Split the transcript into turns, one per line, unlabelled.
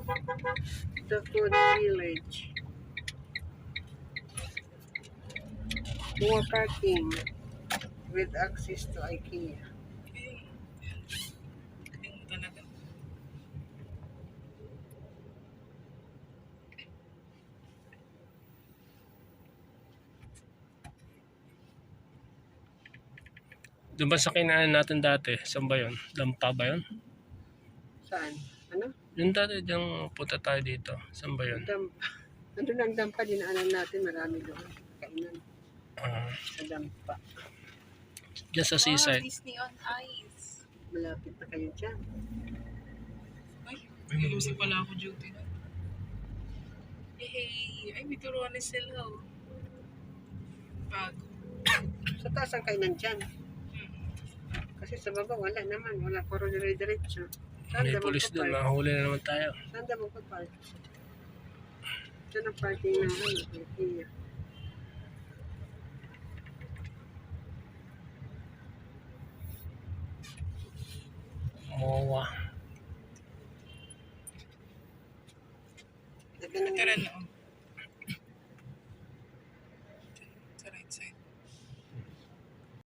The Food Village. More parking with access to IKEA.
Galing mo talaga.
Doon ba sa kinaan natin dati? Saan ba yun? Dampa ba yun?
Saan? Ano?
Yung dati diyang punta tayo dito. Saan ba yun?
Dampa. Nandun ang dampa, dinaanan natin. Marami doon. Kainan
Ah,
sa dampa.
dyan sa
Wow,
seaside.
Disney on Ice.
Malapit na kayo dyan.
Ay, may lusi pala ako duty na. Hey, ay, may turuan ni sila. Oh. Bago.
Sa taas ang kainan dyan. Kasi sa baba wala naman. Wala. Puro dire-diretso. Saan
May
daw
pulis doon.
magpa-park?
Mahuli na naman tayo.
Saan daw magpa-park? Dyan ang parking ng IKEA.
MOA.
Ganda ng
Tara na.